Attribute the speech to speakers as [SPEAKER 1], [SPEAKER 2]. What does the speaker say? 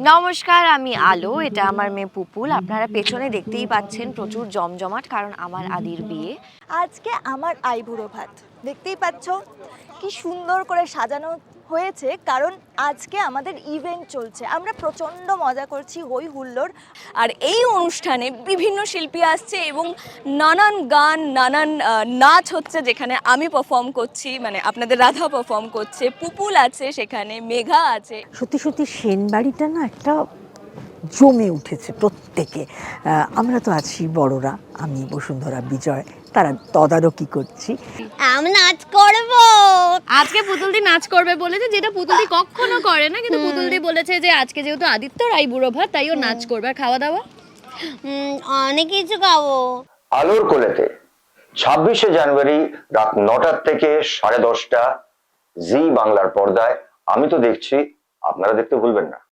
[SPEAKER 1] নমস্কার, আমি আলো। এটা আমার মেয়ে পুপুল। আপনারা পেছনে দেখতেই পাচ্ছেন প্রচুর জমজমাট, কারণ আমার আদির বিয়ে।
[SPEAKER 2] আজকে আমার আইবুড়ো ভাত দেখতেই পাচ্ছ কি সুন্দর করে সাজানো হয়েছে, কারণ আজকে আমাদের ইভেন্ট চলছে। আমরা প্রচণ্ড মজা করছি, হই হুল্লোড়। আর এই অনুষ্ঠানে বিভিন্ন শিল্পী আসছে এবং নানান গান, নানান নাচ হচ্ছে, যেখানে আমি পারফর্ম করছি, মানে আপনাদের রাধা পারফর্ম করছে, পুপুল আছে, সেখানে মেঘা আছে।
[SPEAKER 3] সত্যি সত্যি সেনবাড়িটা না একটা জমে উঠেছে প্রত্যেকে। আমরা তো আছি বড়রা, আমি বসুন্ধরা বিজয়, তারা তদারকি করছি।
[SPEAKER 4] আমি নাচ করব।
[SPEAKER 1] আজকে পুতুলদি নাচ করবে বলেছে, যেটা পুতুলদি কখনো করে না, কিন্তু পুতুলদি বলেছে যে আজকে যেহেতু আদিত্যর আইবুড়ো ভাত, তাই ও নাচ করবে। আর খাওয়া দাওয়া
[SPEAKER 4] অনেক কিছু খাবো।
[SPEAKER 5] আলোর কোলেতে 26শে জানুয়ারি রাত 9টা থেকে 10:30 জি বাংলার পর্দায়। আমি তো দেখছি, আপনারা দেখতে ভুলবেন না।